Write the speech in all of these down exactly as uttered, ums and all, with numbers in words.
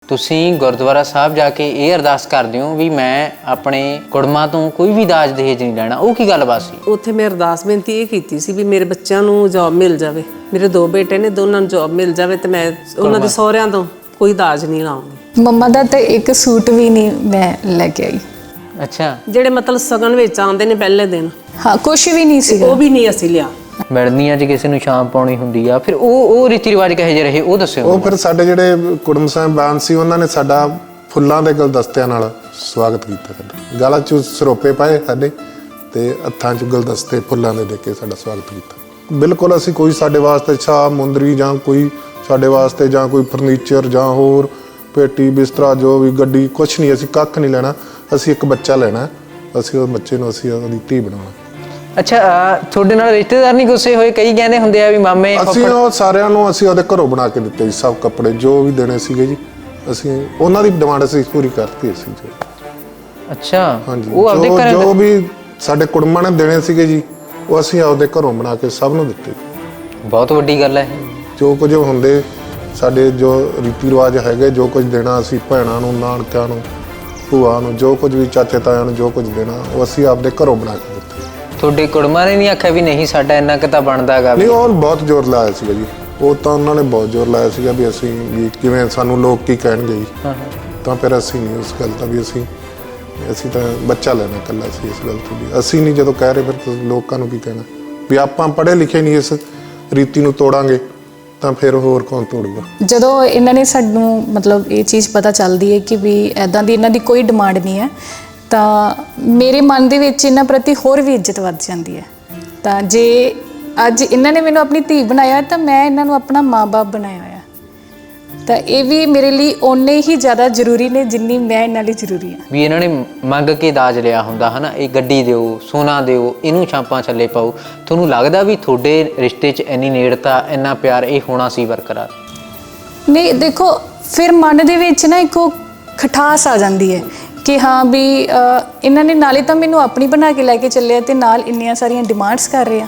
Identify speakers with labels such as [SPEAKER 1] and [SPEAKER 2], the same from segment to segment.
[SPEAKER 1] ਤੁਸੀਂ ਗੁਰਦੁਆਰਾ ਸਾਹਿਬ ਜਾ ਕੇ ਇਹ ਅਰਦਾਸ ਕਰਦੇ ਹੋ ਵੀ ਮੈਂ ਆਪਣੇ ਕੁੜਮਾਂ ਤੋਂ ਕੋਈ ਵੀ ਦਾਜ ਦਹੇਜ ਨਹੀਂ ਲੈਣਾ, ਉਹ ਕੀ ਗੱਲਬਾਤ ਸੀ?
[SPEAKER 2] ਉੱਥੇ ਮੈਂ ਅਰਦਾਸ ਬੇਨਤੀ ਇਹ ਕੀਤੀ ਸੀ ਵੀ ਮੇਰੇ ਬੱਚਿਆਂ ਨੂੰ ਜੌਬ ਮਿਲ ਜਾਵੇ, ਮੇਰੇ ਦੋ ਬੇਟੇ ਨੇ, ਦੋਨਾਂ ਨੂੰ ਜੌਬ ਮਿਲ ਜਾਵੇ ਤੇ ਮੈਂ ਉਹਨਾਂ ਦੇ ਸਹੁਰਿਆਂ ਤੋਂ ਕੋਈ ਦਾਜ ਨਹੀਂ ਲਾਉਂਗੀ।
[SPEAKER 3] ਮੰਮਾ ਦਾ ਤਾਂ ਇੱਕ ਸੂਟ ਵੀ ਨਹੀਂ ਮੈਂ ਲੈ ਕੇ ਆਈ।
[SPEAKER 1] ਅੱਛਾ,
[SPEAKER 2] ਜਿਹੜੇ ਮਤਲਬ ਸਗਨ ਵਿੱਚ ਆਉਂਦੇ ਨੇ ਪਹਿਲੇ ਦਿਨ,
[SPEAKER 3] ਹਾਂ ਕੁਛ ਵੀ ਨਹੀਂ ਸੀਗਾ,
[SPEAKER 2] ਉਹ ਵੀ ਨਹੀਂ ਅਸੀਂ ਲਿਆ।
[SPEAKER 1] ਮਿਲਦੀਆਂ 'ਚ ਕਿਸੇ ਨੂੰ ਸ਼ਾਮ ਪਾਉਣੀ ਹੁੰਦੀ ਆ, ਫਿਰ ਉਹ ਉਹ ਰੀਤੀ ਰਿਵਾਜ ਕਿਹੋ ਜਿਹੇ ਰਹੇ ਉਹ ਦੱਸਿਓ।
[SPEAKER 4] ਉਹ ਫਿਰ ਸਾਡੇ ਜਿਹੜੇ ਕੁੜਮ ਸਾਹਿਬਾਨ ਸੀ ਉਹਨਾਂ ਨੇ ਸਾਡਾ ਫੁੱਲਾਂ ਦੇ ਗੁਲਦਸਤਿਆਂ ਨਾਲ ਸਵਾਗਤ ਕੀਤਾ। ਸਾਡਾ ਗਲਾਂ 'ਚ ਸਰੋਪੇ ਪਾਏ ਸਾਡੇ ਤੇ ਹੱਥਾਂ 'ਚ ਗੁਲਦਸਤੇ ਫੁੱਲਾਂ ਦੇ ਦੇ ਕੇ ਸਾਡਾ ਸਵਾਗਤ ਕੀਤਾ। ਬਿਲਕੁਲ ਅਸੀਂ ਕੋਈ ਸਾਡੇ ਵਾਸਤੇ ਛਾਪ ਮੁੰਦਰੀ ਜਾਂ ਕੋਈ ਸਾਡੇ ਵਾਸਤੇ ਜਾਂ ਕੋਈ ਫਰਨੀਚਰ ਜਾਂ ਹੋਰ ਪੇਟੀ ਬਿਸਤਰਾ ਜੋ ਵੀ ਗੱਡੀ ਕੁਛ ਨਹੀਂ, ਅਸੀਂ ਕੱਖ ਨਹੀਂ ਲੈਣਾ। ਅਸੀਂ ਇੱਕ ਬੱਚਾ ਲੈਣਾ, ਅਸੀਂ ਉਹ ਬੱਚੇ ਨੂੰ ਅਸੀਂ ਉਹਦੀ ਧੀ ਬਣਾਉਣਾ।
[SPEAKER 1] ਅੱਛਾ, ਤੁਹਾਡੇ ਨਾਲ ਰਿਸ਼ਤੇਦਾਰ ਨਹੀਂ ਗੁੱਸੇ ਹੋਏ? ਕਈ ਕਹਿੰਦੇ ਹੁੰਦੇ ਆ ਵੀ ਮਾਮੇ
[SPEAKER 4] ਅਸੀਂ ਉਹ ਸਾਰਿਆਂ ਨੂੰ ਅਸੀਂ ਉਹਦੇ ਘਰੋਂ ਬਣਾ ਕੇ ਦਿੱਤੇ ਜੀ, ਸਭ ਕੱਪੜੇ ਜੋ ਵੀ ਦੇਣੇ ਸੀਗੇ ਜੀ, ਅਸੀਂ ਉਹਨਾਂ ਦੀ ਡਿਮਾਂਡ ਅਸੀਂ ਪੂਰੀ ਕਰਤੀ ਅਸੀਂ ਜੀ।
[SPEAKER 1] ਅੱਛਾ,
[SPEAKER 4] ਹਾਂਜੀ,
[SPEAKER 1] ਉਹ ਆਪਦੇ ਘਰੇ
[SPEAKER 4] ਜੋ ਵੀ ਸਾਡੇ ਕੁੜਮਾਂ ਨੇ ਦੇਣੇ ਸੀਗੇ ਜੀ ਉਹ ਅਸੀਂ ਆਪਦੇ ਘਰੋਂ ਬਣਾ ਕੇ ਸਭ ਨੂੰ ਦਿੱਤੇ।
[SPEAKER 1] ਬਹੁਤ ਵੱਡੀ ਗੱਲ ਹੈ।
[SPEAKER 4] ਜੋ ਕੁਝ ਹੁੰਦੇ ਸਾਡੇ ਜੋ ਰੀਤੀ ਰਿਵਾਜ ਹੈਗੇ, ਜੋ ਕੁਝ ਦੇਣਾ ਅਸੀਂ ਭੈਣਾਂ ਨੂੰ, ਨਾਨਕਿਆਂ ਨੂੰ, ਭੂਆ ਨੂੰ, ਜੋ ਕੁਝ ਵੀ ਚਾਚੇ ਤਾਇਆਂ ਨੂੰ ਜੋ ਕੁਝ ਦੇਣਾ ਉਹ ਅਸੀਂ ਆਪਦੇ ਘਰੋਂ ਬਣਾ ਕੇ ਦਿੱਤੇ।
[SPEAKER 1] ਤੁਹਾਡੇ ਕੁੜਮਾਂ ਨੇ ਨਹੀਂ ਆਖਿਆ ਵੀ ਨਹੀਂ ਸਾਡਾ ਇੰਨਾ ਕੁ ਤਾਂ ਬਣਦਾ ਹੈਗਾ?
[SPEAKER 4] ਨਹੀਂ, ਉਹ ਬਹੁਤ ਜ਼ੋਰ ਲਾਇਆ ਸੀਗਾ ਜੀ, ਉਹ ਤਾਂ ਉਹਨਾਂ ਨੇ ਬਹੁਤ ਜ਼ੋਰ ਲਾਇਆ ਸੀਗਾ ਵੀ ਅਸੀਂ ਵੀ ਕਿਵੇਂ ਸਾਨੂੰ ਲੋਕ ਕੀ ਕਹਿਣਗੇ ਜੀ। ਤਾਂ ਫਿਰ ਅਸੀਂ ਨਹੀਂ ਉਸ ਗੱਲ ਦਾ ਵੀ ਅਸੀਂ ਅਸੀਂ ਤਾਂ ਬੱਚਾ ਲੈਣਾ ਇਕੱਲਾ ਸੀ, ਇਸ ਗੱਲ ਤੋਂ ਵੀ ਅਸੀਂ ਨਹੀਂ ਜਦੋਂ ਕਹਿ ਰਹੇ ਫਿਰ ਲੋਕਾਂ ਨੂੰ ਕੀ ਕਹਿਣਾ ਵੀ ਆਪਾਂ ਪੜ੍ਹੇ ਲਿਖੇ ਨਹੀਂ ਇਸ ਰੀਤੀ ਨੂੰ ਤੋੜਾਂਗੇ ਤਾਂ ਫਿਰ ਹੋਰ ਕੌਣ ਤੋੜੂਗਾ।
[SPEAKER 3] ਜਦੋਂ ਇਹਨਾਂ ਨੇ ਸਾਨੂੰ ਮਤਲਬ ਇਹ ਚੀਜ਼ ਪਤਾ ਚੱਲਦੀ ਹੈ ਕਿ ਵੀ ਇੱਦਾਂ ਦੀ ਇਹਨਾਂ ਦੀ ਕੋਈ ਡਿਮਾਂਡ ਨਹੀਂ ਹੈ ਤਾਂ ਮੇਰੇ ਮਨ ਦੇ ਵਿੱਚ ਇਹਨਾਂ ਪ੍ਰਤੀ ਹੋਰ ਵੀ ਇੱਜ਼ਤ ਵੱਧ ਜਾਂਦੀ ਹੈ। ਤਾਂ ਜੇ ਅੱਜ ਇਹਨਾਂ ਨੇ ਮੈਨੂੰ ਆਪਣੀ ਧੀ ਬਣਾਇਆ ਤਾਂ ਮੈਂ ਇਹਨਾਂ ਨੂੰ ਆਪਣਾ ਮਾਂ-ਬਾਪ ਬਣਾਇਆ ਹੋਇਆ, ਤਾਂ ਇਹ ਵੀ ਮੇਰੇ ਲਈ ਓਨੇ ਹੀ ਜ਼ਿਆਦਾ ਜ਼ਰੂਰੀ ਨੇ ਜਿੰਨੀ ਮੈਂ ਇਹਨਾਂ ਲਈ ਜ਼ਰੂਰੀ ਹਾਂ।
[SPEAKER 1] ਵੀ ਇਹਨਾਂ ਨੇ ਮੰਗ ਕੇ ਦਾਜ ਲਿਆ ਹੁੰਦਾ ਹਨਾ, ਇਹ ਗੱਡੀ ਦਿਓ, ਸੋਨਾ ਦਿਓ, ਇਹਨੂੰ ਛਾਪਾਂ ਥੱਲੇ ਪਾਓ, ਤੁਹਾਨੂੰ ਲੱਗਦਾ ਵੀ ਤੁਹਾਡੇ ਰਿਸ਼ਤੇ 'ਚ ਇੰਨੀ ਨੇੜਤਾ, ਇੰਨਾ ਪਿਆਰ ਇਹ ਹੋਣਾ ਸੀ ਬਰਕਰਾਰ?
[SPEAKER 3] ਨਹੀਂ, ਦੇਖੋ ਫਿਰ ਮਨ ਦੇ ਵਿੱਚ ਨਾ ਇੱਕ ਉਹ ਖਟਾਸ ਆ ਜਾਂਦੀ ਹੈ ਕਿ ਹਾਂ ਵੀ ਇਹਨਾਂ ਨੇ ਨਾਲੇ ਤਾਂ ਮੈਨੂੰ ਆਪਣੀ ਬਣਾ ਕੇ ਲੈ ਕੇ ਚੱਲਿਆ ਤੇ ਨਾਲ ਇੰਨੀਆਂ ਸਾਰੀਆਂ ਡਿਮਾਂਡਸ ਕਰ ਰਹੇ ਆ,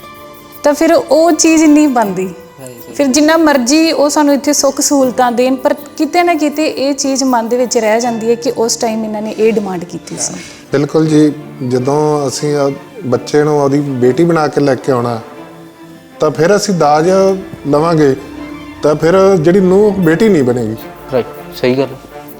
[SPEAKER 3] ਤਾਂ ਫਿਰ ਉਹ ਚੀਜ਼ ਨਹੀਂ ਬਣਦੀ। ਫਿਰ ਜਿੰਨਾ ਮਰਜ਼ੀ ਉਹ ਸਾਨੂੰ ਇੱਥੇ ਸੁੱਖ ਸਹੂਲਤਾਂ ਦੇਣ ਪਰ ਕਿਤੇ ਨਾ ਕਿਤੇ ਇਹ ਚੀਜ਼ ਮਨ ਦੇ ਵਿੱਚ ਰਹਿ ਜਾਂਦੀ ਹੈ ਕਿ ਉਸ ਟਾਈਮ ਇਹਨਾਂ ਨੇ ਇਹ ਡਿਮਾਂਡ ਕੀਤੀ ਸੀ।
[SPEAKER 4] ਬਿਲਕੁਲ ਜੀ, ਜਦੋਂ ਅਸੀਂ ਬੱਚੇ ਨੂੰ ਉਹਦੀ ਬੇਟੀ ਬਣਾ ਕੇ ਲੈ ਕੇ ਆਉਣਾ ਤਾਂ ਫਿਰ ਅਸੀਂ ਦਾਜ ਲਵਾਂਗੇ ਤਾਂ ਫਿਰ ਜਿਹੜੀ ਨੂੰਹ ਬੇਟੀ ਨਹੀਂ ਬਣੇਗੀ।
[SPEAKER 1] ਰਾਈਟ, ਸਹੀ ਗੱਲ।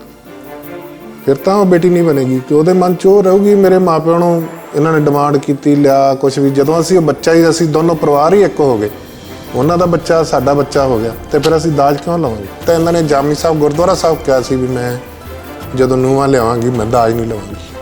[SPEAKER 4] ਫਿਰ ਤਾਂ ਉਹ ਬੇਟੀ ਨਹੀਂ ਬਣੇਗੀ ਕਿ ਉਹਦੇ ਮਨ 'ਚ ਉਹ ਰਹੂਗੀ ਮੇਰੇ ਮਾਪਿਆਂ ਨੂੰ ਇਹਨਾਂ ਨੇ ਡਿਮਾਂਡ ਕੀਤੀ ਲਿਆ ਕੁਛ ਵੀ। ਜਦੋਂ ਅਸੀਂ ਉਹ ਬੱਚਾ ਹੀ ਅਸੀਂ ਦੋਨੋਂ ਪਰਿਵਾਰ ਹੀ ਇੱਕ ਹੋ ਗਏ, ਉਹਨਾਂ ਦਾ ਬੱਚਾ ਸਾਡਾ ਬੱਚਾ ਹੋ ਗਿਆ ਤੇ ਫਿਰ ਅਸੀਂ ਦਾਜ ਕਿਉਂ ਲਵਾਂਗੇ? ਤਾਂ ਇਹਨਾਂ ਨੇ ਜਾਮੀ ਸਾਹਿਬ ਗੁਰਦੁਆਰਾ ਸਾਹਿਬ ਕਿਹਾ ਸੀ ਵੀ ਮੈਂ ਜਦੋਂ ਨੂੰਹਾਂ ਲਿਆਵਾਂਗੀ ਮੈਂ ਦਾਜ ਨਹੀਂ ਲਵਾਂਗੀ।